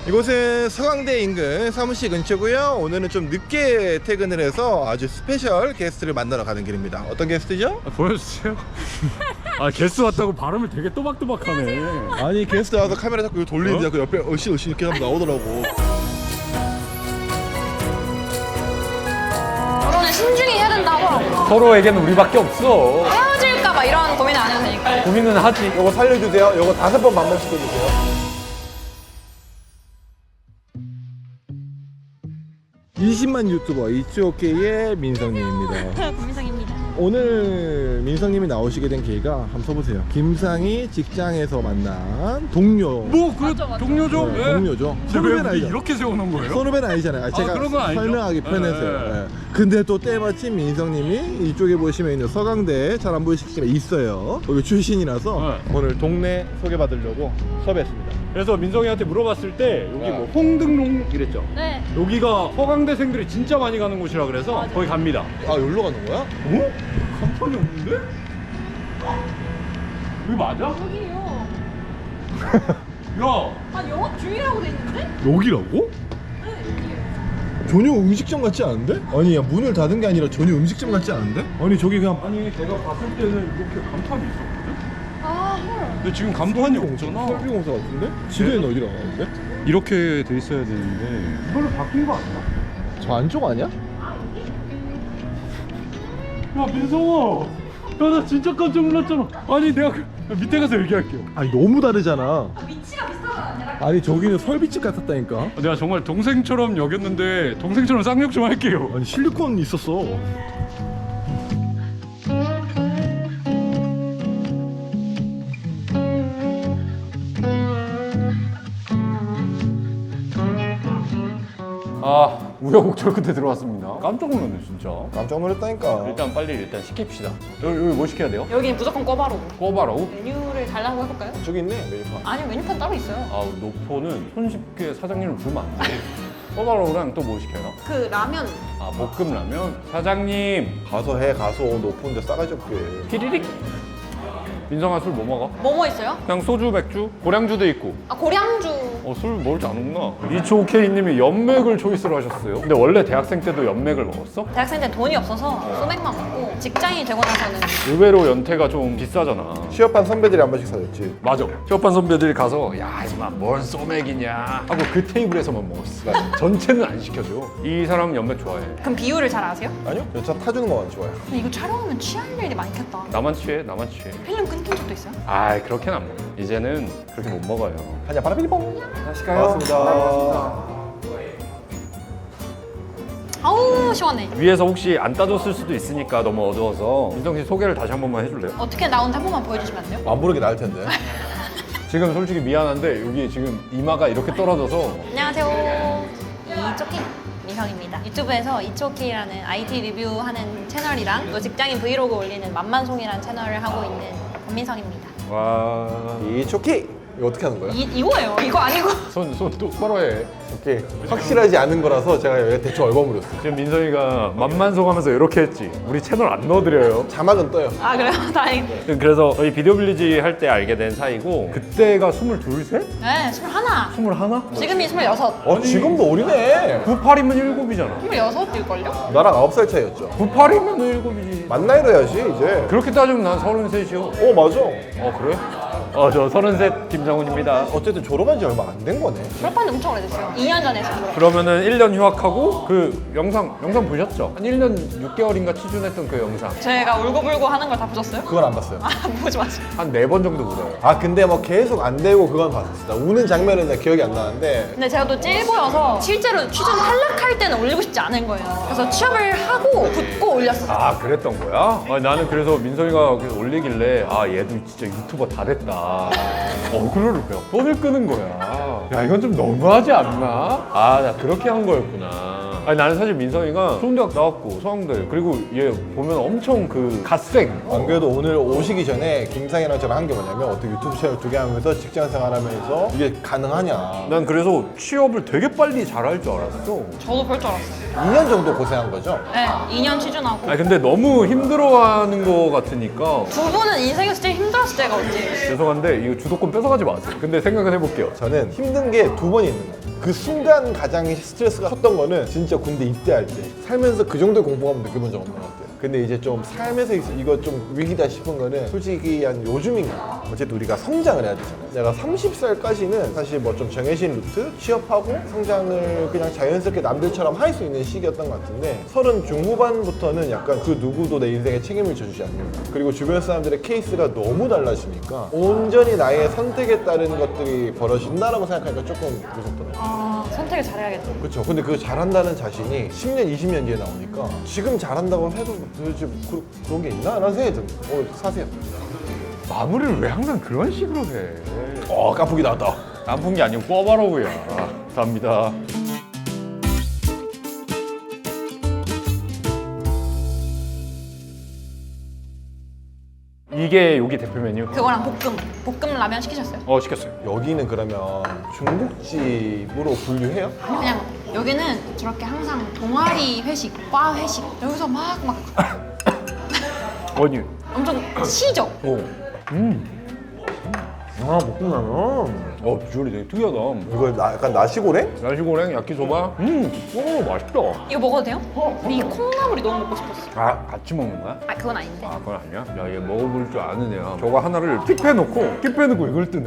이곳은 서강대 인근 사무실 근처고요. 오늘은 좀 늦게 퇴근을 해서 아주 스페셜 게스트를 만나러 가는 길입니다. 어떤 게스트죠? 보여주세요. 아 게스트 왔다고 발음을 되게 또박또박하네. 아니 게스트 와서 카메라 자꾸 돌리는데 그 옆에 으쌰으쌰 이렇게 하면 나오더라고. 결혼은 신중히 해야 된다 하더라고. 서로에게는 우리밖에 없어. 헤어질까 봐 이런 고민을 안 해도 되니까. 고민은 하지. 요거 살려주세요. 요거 5번 반복시켜주세요. 20만 유튜버 이츠오케이의 민성님입니다. 고민상입니다. 오늘 민성님이 나오시게 된 계기가 한번 써보세요. 김상이 직장에서 만난 동료. 뭐그 동료죠? 네, 예. 동료죠. 근데 왜 선후배는 우리 아니죠. 이렇게 세워놓은 거예요? 선후배는 아니잖아요. 제가 그런 건 아니죠. 설명하기 편해서요. 예. 근데 또 때마침 민성님이 이쪽에 보시면 있는 서강대 잘 안 보이시지만 있어요. 여기 출신이라서 오늘 동네 소개받으려고 섭외했습니다. 그래서 민성이한테 물어봤을 때 여기 뭐 홍등롱 이랬죠? 네. 여기가 서강대생들이 진짜 많이 가는 곳이라 그래서 거기 갑니다. 아, 여기로 가는 거야? 어? 간판이 없는데? 여기 맞아? 여기요. 야! 아 영업 중이라고 돼 있는데? 여기라고? 네 여기요. 전혀 음식점 같지 않은데? 아니, 야, 문을 닫은 게 아니라 전혀 음식점 같지 않은데? 아니, 저기 그냥 아니 제가 봤을 때는 이렇게 간판이 있었거든? 아 헐. 근데 지금 간판이 없잖아. 커피공사 같은데? 지도에는 어디로 가는데? 이렇게 돼 있어야 되는데 이걸로 바뀐 거 아니야? 저 안쪽 아니야? 야 민성아! 야 나 진짜 깜짝 놀랐잖아. 아니 내가 밑에 가서 얘기할게요. 아니, 너무 다르잖아. 위치가 비슷하잖아. 아니, 저기는 설비집 같았다니까? 내가 정말 동생처럼 여겼는데 동생처럼 쌍욕 좀 할게요. 아니, 실리콘 있었어. 아 우여곡절 끝에 들어왔습니다. 깜짝 놀랐네 진짜. 깜짝 놀랐다니까. 일단 빨리 시킵시다. 여기 뭐 시켜야 돼요? 여기는 무조건 꿔바로. 꼬바라고? 메뉴를 달라고 해볼까요? 저기 있네, 메뉴판. 아니요 메뉴판 따로 있어요. 아 노포는 손쉽게 사장님을 부르면 안 돼. 꼬바로우랑 또 뭐 시켜요? 그 라면. 아 볶음라면? 사장님 가서 해, 가서 높은데 싸가지 없게. 피리릭? 민성아 술 뭐 먹어? 뭐뭐 있어요? 그냥 소주, 맥주? 고량주도 있고. 아 고량주. 술 먹을지 안 먹나? 이초케이님이 연맥을 초이스를 하셨어요. 근데 원래 대학생 때도 연맥을 먹었어? 대학생 때 돈이 없어서 소맥만 먹고 직장인이 되고 나서는 의외로 연태가 좀 비싸잖아. 취업한 선배들이 한 번씩 사줬지. 맞아. 취업한 선배들이 가서 야 이마 뭔 소맥이냐 하고 그 테이블에서만 먹었어. 전체는 안 시켜줘. 이 사람 연맥 좋아해. 그럼 비율을 잘 아세요? 아니요? 여차 타주는 거만 좋아요. 근데 이거 촬영하면 취할 일이 많겠다. 나만 취해, 나만 취해. 필름 끊긴 적도 있어요? 아 그렇게는 안 먹어. 이제는 그렇게 못 먹어요. 한잔 바라비리뽕. 하실까요? 반갑습니다. 아우 시원해. 위에서 혹시 안 따줬을 수도 있으니까 너무 어두워서 민성 씨 소개를 다시 한 번만 해줄래요? 어떻게 나온지 한 번만 보여주시면 안 돼요? 안 부르게 나을 텐데. 지금 솔직히 미안한데 여기 지금 이마가 이렇게 떨어져서 안녕하세요. 이초키 민성입니다. 유튜브에서 이초키라는 IT 리뷰하는 채널이랑 또 직장인 브이로그 올리는 만만송이라는 채널을 하고 있는 권민성입니다. 와... 이 초키! 이거 어떻게 하는 거야? 이거예요. 이거 아니고. 손 똑바로 해. 오케이. 확실하지 않은 거라서 제가 여기 대충 얼버무렸어요. 지금 민성이가 만만송 하면서 이렇게 했지. 우리 채널 안 넣어드려요. 자막은 떠요. 아 그래요? 다행이다. 그래서 저희 비디오 빌리지 할 때 알게 된 사이고 그때가 22, 셋? 네, 21. 21? 지금이 26. 어, 지금도 어리네. 98이면 7이잖아. 26일걸요? 나랑 9살 차이였죠. 98이면 7이지. 만 나이로 해야지, 이제. 그렇게 따지면 난 33이요. 어, 맞아. 그래? 저 33 김장훈입니다. 어쨌든 졸업한 지 얼마 안 된 거네. 졸업한 지 엄청 오래됐어요. 2년 전에 했어요. 그러면은 1년 휴학하고 그 영상 보셨죠? 한 1년 6개월인가 취준했던 그 영상 제가 울고불고 하는 걸 다 보셨어요? 그건 안 봤어요. 아 보지 마세요. 한 4번 정도 울어요. 아, 근데 뭐 계속 안 되고 그건 봤었어. 우는 장면은 내가 기억이 안 나는데. 근데 제가 또 찔보여서 실제로 취준 탈락할 때는 올리고 싶지 않은 거예요. 그래서 취업을 하고 붙고 올렸어요. 아 그랬던 거야? 나는 그래서 민성이가 계속 올리길래 아 얘도 진짜 유튜버 다 됐다. 어그로를 그냥 뻔을 끄는 거야. 야 이건 좀 너무하지 않나? 아 나 그렇게 한 거였구나. 아니 나는 사실 민성이가 좋은대학 나왔고 서강대 그리고 얘 보면 엄청 그 갓생. 안 그래도 오늘 오시기 전에 김상이랑 저랑 한 게 뭐냐면 어떻게 유튜브 채널 2개 하면서 직장 생활하면서 이게 가능하냐. 난 그래서 취업을 되게 빨리 잘할 줄 알았어. 저도 볼 줄 알았어요. 2년 정도 고생한 거죠? 네, 2년 취준하고. 아니 근데 너무 힘들어하는 거 같으니까 두 분은 인생에서 제일 힘들었을 때가 언제예요? 죄송한데 이거 주도권 뺏어가지 마세요. 근데 생각은 해볼게요. 저는 힘든 게 2번이 있는 거예요. 그 순간 가장 스트레스가 컸던 거는 진짜 군대 입대할 때 살면서 그 정도의 공포감 느껴본 적 없는 것 같아요. 근데 이제 좀 삶에서 이거 좀 위기다 싶은 거는 솔직히 한 요즘인가 어쨌든 우리가 성장을 해야 되잖아요. 내가 30살까지는 사실 뭐 좀 정해진 루트 취업하고 성장을 그냥 자연스럽게 남들처럼 할 수 있는 시기였던 것 같은데 30 중후반부터는 약간 그 누구도 내 인생에 책임을 져주지 않는다. 그리고 주변 사람들의 케이스가 너무 달라지니까 온전히 나의 선택에 따른 것들이 벌어진다라고 생각하니까 조금 무섭더라고요. 선택을 잘해야겠다. 그렇죠. 근데 그 잘한다는 자신이 10년, 20년 뒤에 나오니까 지금 잘한다고 해도 도대체 그런 게 있나? 라는 생각이 듭니다. 사세요. 마무리를 왜 항상 그런 식으로 해? 깐풍기 나왔다. 깐풍기 아니고 꿔바로우야. 감사합니다. 이게 여기 대표 메뉴? 그거랑 볶음 라면 시키셨어요? 시켰어요. 여기는 그러면 중국집으로 분류해요? 아니 그냥 여기는 저렇게 항상 동아리 회식, 과 회식 여기서 막 아니, 엄청 시죠? 볶음라면. 비주얼이 되게 특이하다. 이거 약간 나시고랭? 야시고랭, 야키소바. 맛있다. 이거 먹어도 돼요? 이 콩나물이 너무 먹고 싶었어. 같이 먹는 거야? 그건 아닌데. 그건 아니야? 야, 얘 먹어볼 줄 아는 애야. 저거 하나를 킵해놓고 이걸 뜨네.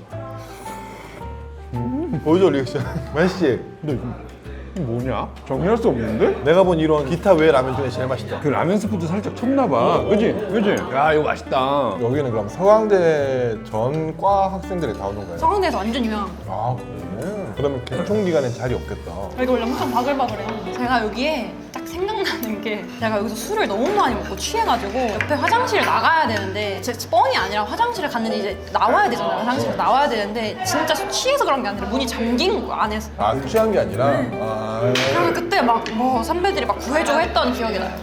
보여줘 리액션. 맛있지? 근데 이거 뭐냐? 정리할 수 없는데? 내가 본 이런 기타 외 라면 중에 제일 맛있다. 그 라면 스프도 살짝 쳤나봐. 그지? 야, 이거 맛있다. 여기는 그럼 서강대 전과 학생들이 다 오는 거예요? 서강대에서 완전 유명한 거. 그래? 그러면 개총 기간엔 자리 없겠다. 이거 원래 엄청 바글바글해요. 제가 여기에 딱 생각나는 게 제가 여기서 술을 너무 많이 먹고 취해가지고 옆에 화장실을 나가야 되는데 제 뻥이 아니라 화장실을 갔는데 이제 나와야 되잖아요. 화장실에서 나와야 되는데 진짜 취해서 그런 게 아니라 문이 잠긴 거 안에서. 취한 게 아니라? 그리고 그때 막 뭐 선배들이 막 구해주고 했던 기억이 나요.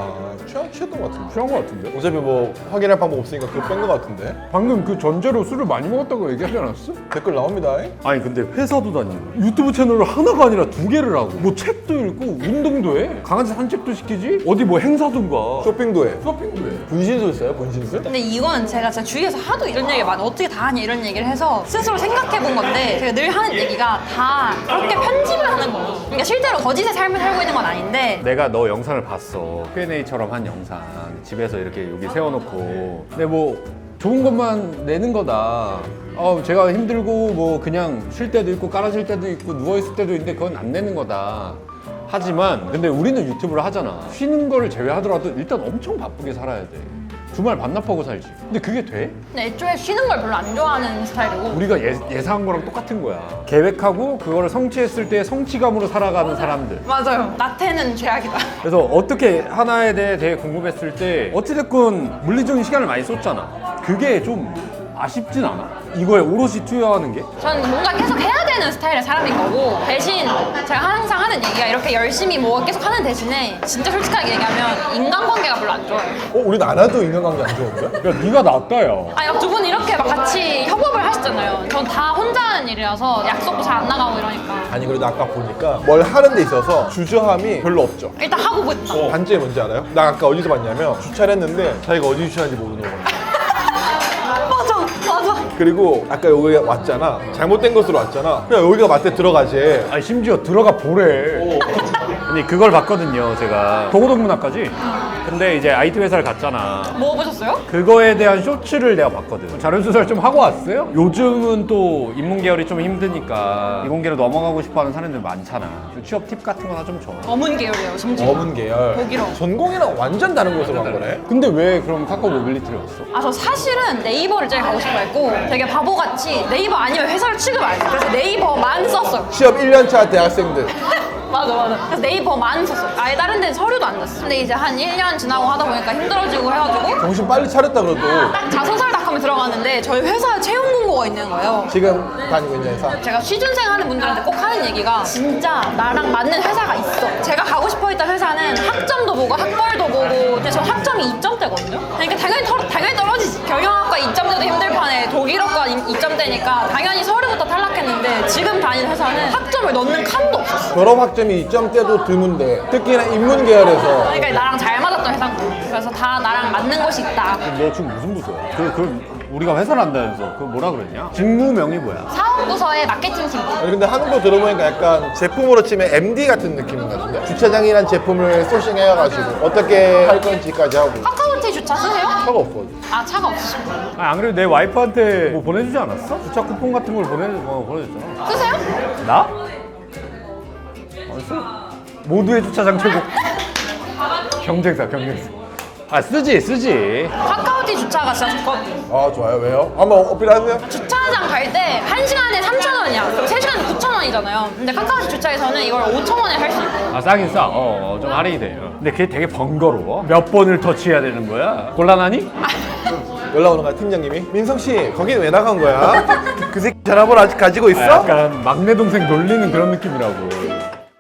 취했던 것 같은데? 취한 거 같은데? 어차피 뭐 확인할 방법 없으니까 그거 뺀 것 같은데? 방금 그 전제로 술을 많이 먹었다고 얘기하지 않았어? 댓글 나옵니다. 아니 근데 회사도 다니고 유튜브 채널을 하나가 아니라 2개를 하고 뭐 책도 읽고 운동도 해 강아지 산책도 시키지 어디 뭐 행사든가 쇼핑도 해. 쇼핑도 해 분신술 써요? 분신술? 근데 이거는 제가 제 주위에서 하도 이런 얘기를 많이 어떻게 다 하냐 이런 얘기를 해서 스스로 생각해 본 건데 제가 늘 하는 얘기가 다 그렇게 편집을 하는 거예요. 그러니까 실제로 거짓의 삶을 살고 있는 건 아닌데 내가 너 영상을 봤어 Q&A처럼 한 영상 집에서 이렇게 여기 세워놓고 근데 뭐 좋은 것만 내는 거다 제가 힘들고 뭐 그냥 쉴 때도 있고 깔아줄 때도 있고 누워있을 때도 있는데 그건 안 내는 거다 하지만 근데 우리는 유튜브를 하잖아 쉬는 거를 제외하더라도 일단 엄청 바쁘게 살아야 돼 주말 반납하고 살지 근데 그게 돼? 근데 애초에 쉬는 걸 별로 안 좋아하는 스타일이고 우리가 예상한 거랑 똑같은 거야 계획하고 그거를 성취했을 때 성취감으로 살아가는 사람들 맞아요. 나태는 죄악이다. 그래서 어떻게 하나에 대해 되게 궁금했을 때 어찌됐건 물리적인 시간을 많이 썼잖아 그게 좀 아쉽진 않아? 이거에 오롯이 투여하는 게? 저는 뭔가 계속 해야 되는 스타일의 사람인 거고 대신 제가 항상 하는 얘기가 이렇게 열심히 뭐 계속 하는 대신에 진짜 솔직하게 얘기하면 인간관계가 별로 안 좋아요. 우리 나나도 인간관계 안 좋은데? 야 네가 낫다 야 아니 두 분 이렇게 막 같이 협업을 하시잖아요. 전 다 혼자 하는 일이라서 약속도 잘 안 나가고 이러니까 아니 그래도 아까 보니까 뭘 하는 데 있어서 주저함이 별로 없죠. 일단 하고 보자. 단점이 뭔지 알아요? 나 아까 어디서 봤냐면 주차를 했는데 자기가 어디 주차하는지 모르는 거야. 맞아. 그리고 아까 여기 왔잖아. 잘못된 곳으로 왔잖아. 그냥 여기가 맞대 들어가지. 아니 심지어 들어가 보래 아니 그걸 봤거든요 제가 도고동문학까지 근데 이제 IT 회사를 갔잖아 뭐 보셨어요? 그거에 대한 쇼츠를 내가 봤거든 자료조사를 좀 하고 왔어요? 요즘은 또 인문계열이 좀 힘드니까 이공계로 넘어가고 싶어하는 사람들 많잖아 취업 팁 같은 거나 좀 줘 어문 계열이에요. 심지어. 어문 계열. 독일어. 전공이랑 완전 다른 곳으로 간 거네. 근데 왜 그럼 카카오 모빌리티를 왔어? 저 사실은 네이버를 제일 가고 싶어 했고 되게 바보같이 네이버 아니면 회사를 취급 안 했어요. 그래서 네이버만 썼어요. 취업 1년차 대학생들. 맞아. 그래서 네이버만 썼어요. 아예 다른 데는 서류도 안 냈어. 근데 이제 한 1년 지나고 하다 보니까 힘들어지고 해가지고 정신 빨리 차렸다 그래도. 딱 자소설닷컴에 들어갔는데 저희 회사에 채용 공고가 있는 거예요. 지금 다니고 있는 회사. 제가 취준생 하는 분들한테 꼭 하는 얘기가 진짜 나랑 맞는 회사가 있어. 제가 가고 싶어 했던 회사는 학점도 보고 학벌도 보고 근데 저 학점이 2점대거든요. 그러니까 당연히 떨어지지. 경영학과 2점대도 힘들 판에 독일어과 2점대니까 당연히 서류부터 탈락했는데 지금 다니는 회사는 학점을 넣는 칸도 없었어. 졸업 학점이 2점대도 드문데 특히나 인문 계열에서 그러니까 나랑 잘 맞았던 회사인 거예요. 그래서 다 나랑 맞는 곳이 있다. 너 지금 무슨 부서야? 그럼 우리가 회사를 한다면서 그거 뭐라 그랬냐? 직무명이 뭐야? 사업부서의 마케팅팀. 아니 근데 하는 거 들어보니까 약간 제품으로 치면 MD 같은 느낌인 것 같은데 주차장이란 제품을 소싱해가지고 어떻게 할 건지까지 하고 카카오티 주차 쓰세요? 차가 없어. 아 차가 없으시고 아, 안 그래도 내 와이프한테 뭐 보내주지 않았어? 주차 쿠폰 같은 걸 보내줬잖아. 쓰세요? 나? 안 써. 모두의 주차장 최고. 경쟁사. 아 쓰지. 카카오티 주차가 진짜 좋거든요. 아 좋아요. 왜요? 한번 어필하세요. 주차장 갈 때 1시간에 3,000원이야. 그럼 3시간에 9,000원이잖아요. 근데 카카오티 주차에서는 이걸 5,000원에 할 수 있고. 아 싸긴 싸. 좀 할인이 돼요. 근데 그게 되게 번거로워. 몇 번을 터치해야 되는 거야? 곤란하니? 연락 오는 거야 팀장님이. 민성 씨 거긴 왜 나간 거야? 그 새끼 전화번호 아직 가지고 있어? 아, 약간 막내 동생 놀리는 그런 느낌이라고.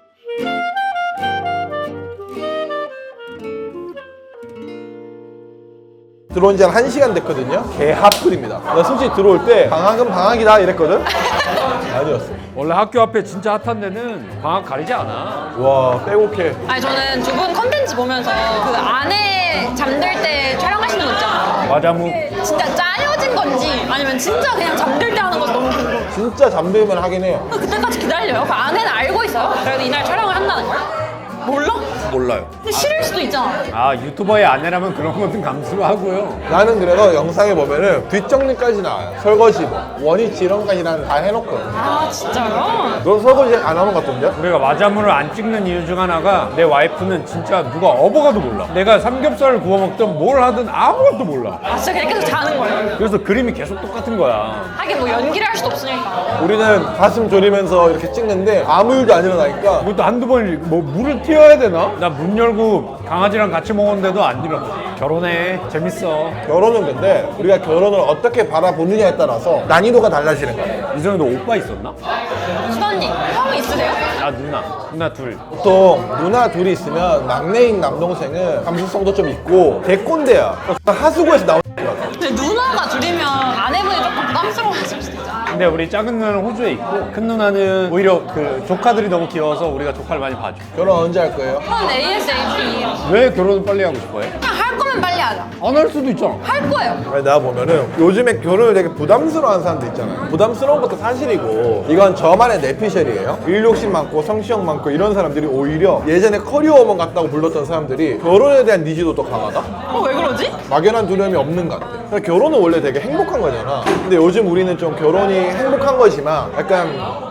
들어온 지 한 1시간 됐거든요. 개핫플입니다. 나 솔직히 들어올 때 방학은 방학이다 이랬거든? 아니었어. 원래 학교 앞에 진짜 핫한 데는 방학 가리지 않아. 와 빼곡해. 아니 저는 두 분 컨텐츠 보면서 그 안에 잠들 때 촬영하시는 거 있잖아요. 맞아 뭐. 진짜 짜여진 건지 아니면 진짜 그냥 잠들 때 하는 건지 너무 궁금해요. 진짜 잠들면 하긴 해요. 그때까지 기다려요? 그 안에는 알고 있어요? 그래도 이날 촬영을 한다는 걸? 몰라? 몰라요. 근데 싫을 수도 있잖아. 아 유튜버의 아내라면 그런 것은 감수를 하고요. 나는 그래서 영상에 보면은 뒷정리까지 나와요. 설거지 뭐 원위치 이런 까지 난 다 해놓거든. 아 진짜요? 너 설거지 안 하는 것 같던데? 우리가 마자문을 안 찍는 이유 중 하나가 내 와이프는 진짜 누가 업어가도 몰라. 내가 삼겹살을 구워 먹든 뭘 하든 아무것도 몰라. 아 진짜 그냥 계속 자는 거예요? 그래서 그림이 계속 똑같은 거야. 하긴 뭐 연기를 할 수도 없으니까. 우리는 가슴 졸이면서 이렇게 찍는데 아무 일도 안 일어나니까 그것도 한두 번 뭐 물을 튀어야 되나? 나 문 열고 강아지랑 같이 먹었는데도 안 일어나. 결혼해. 재밌어. 결혼은 근데 우리가 결혼을 어떻게 바라보느냐에 따라서 난이도가 달라지는 거야. 이전에 너 오빠 있었나? 수단님 형 있으세요? 나 누나 둘. 보통 누나 둘이 있으면 막내인 남동생은 감수성도 좀 있고 대꼰대야. 하수구에서 나오는 거야. 근데 누나가 둘이면 아내분이 조금 부담스러워하실 수도 있잖아. 근데 우리 작은 누나는 호주에 있고 큰 누나는 오히려 그 조카들이 너무 귀여워서 우리가 조카를 많이 봐줘. 결혼 언제 할 거예요? 전 ASAP. 왜 결혼을 빨리 하고 싶어해? 그냥 할 거면 빨리 하자. 안 할 수도 있잖아. 할 거예요. 아니, 나 보면은 요즘에 결혼을 되게 부담스러워하는 사람들 있잖아요. 부담스러운 것도 사실이고 이건 저만의 내피셜이에요. 일 욕심 많고 성취욕 많고 이런 사람들이 오히려 예전에 커리어우먼 같다고 불렀던 사람들이 결혼에 대한 니즈도 더 강하다? 왜 그러지? 막연한 두려움이 없는 것 같아. 그러니까 결혼은 원래 되게 행복한 거잖아. 근데 요즘 우리는 좀 결혼이 행복한 거지만 약간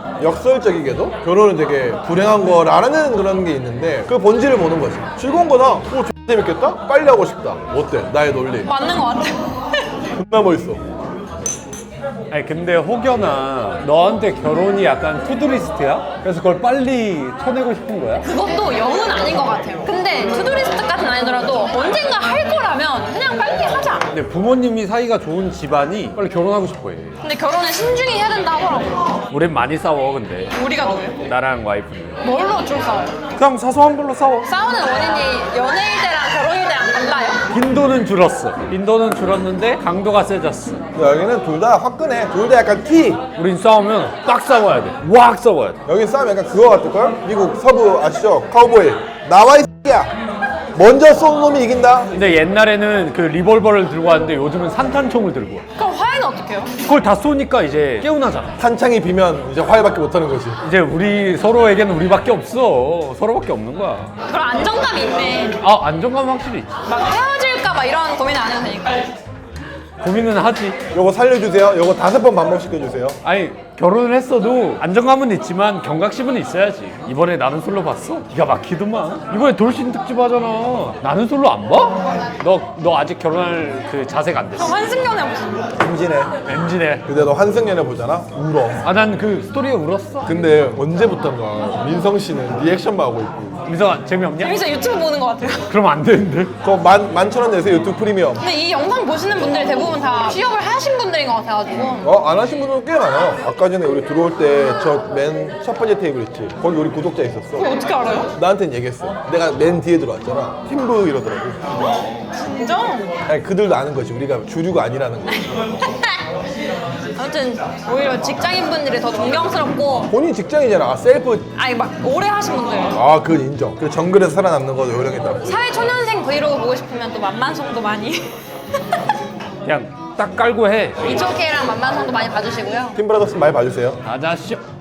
역설적이게도 결혼은 되게 불행한 거라는 그런 게 있는데 그 본질을 보는 거지. 즐거운 거다. X 재밌겠다? 빨리 하고 싶다. 어때? 나의 논리. 맞는 거 같아. 존나 멋있어. 아니 근데 혹여나 너한테 결혼이 약간 투두리스트야? 그래서 그걸 빨리 쳐내고 싶은 거야? 그것도 영은 아닌 것 같아요. 근데 투두리스트까지는 아니더라도 언젠가 할 거라면 그냥 빨리 하자. 근데 부모님이 사이가 좋은 집안이 빨리 결혼하고 싶어해. 근데 결혼은 신중히 해야 된다 하더라고요. 우린 많이 싸워 근데. 우리가 누구예요? 나랑 와이프는. 뭘로 줄 싸워요? 그냥 사소한 걸로 싸워. 싸우는 원인이 연애일 때랑 결혼일 때랑 달라요? 빈도는 줄었어. 빈도는 줄었는데 강도가 세졌어. 여기는 둘 다 화끈해. 둘 다 약간 T. 우린 싸우면 딱 싸워야 돼. 왁 싸워야 돼. 여기 싸우면 약간 그거 같을걸? 미국 서부 아시죠? 카우보이. 나와 이 X야. 먼저 쏜 놈이 이긴다. 근데 옛날에는 그 리볼버를 들고 왔는데 요즘은 산탄총을 들고 와. 그럼 화해는 어떻게 해요? 그걸 다 쏘니까 이제 깨우나잖아. 탄창이 비면 이제 화해밖에 못하는 거지. 이제 우리 서로에게는 우리밖에 없어. 서로밖에 없는 거야. 그럼 안정감이 있네. 아 안정감 확실히 있지. 막 헤어질까 봐 이런 고민 안 해도 되니까. 고민은 하지. 요거 살려주세요. 요거 5번 반복시켜주세요. 아니 결혼을 했어도 안정감은 있지만 경각심은 있어야지. 이번에 나는 솔로 봤어? 기가 막히더만. 이번에 돌싱 특집 하잖아. 나는 솔로 안 봐? 너 아직 결혼할 그 자세가 안 그럼 됐어. 환승연애 보세요. 임진해. 엔진해. 근데 너 환승연애 보잖아? 울어. 아 난 그 스토리에 울었어. 근데 언제부턴가 민성 씨는 리액션만 하고 있고. 민성아 재미없냐? 재밌어 유튜브 보는 것 같아요. 그럼 안 되는데. 그거 11,000원 내세요. 유튜브 프리미엄. 근데 이 영상 보시는 분들이 대부분 다 취업을 하신 분들인 것 같아가지고. 안 하신 분들은 꽤 많아요. 아까 전에 우리 들어올 때 저 맨 첫 번째 테이블 있지? 거기 우리 구독자 있었어. 그거 어떻게 알아요? 나한테는 얘기했어. 내가 맨 뒤에 들어왔잖아. 팀브 이러더라고. 인정? 아니, 그들도 아는 거지. 우리가 주류가 아니라는 거. 아무튼 오히려 직장인분들이 더 존경스럽고 본인 직장이잖아. 셀프. 아니 막 오래 하신 분들 아, 그건 인정. 그 정글에서 살아남는 거 요령이다. 사회초년생 브이로그 보고 싶으면 또 만만성도 많이 그냥 딱 깔고 해. 이초케이랑 만만성도 많이 봐주시고요. 팀브라더스 많이 봐주세요. 가자쇼.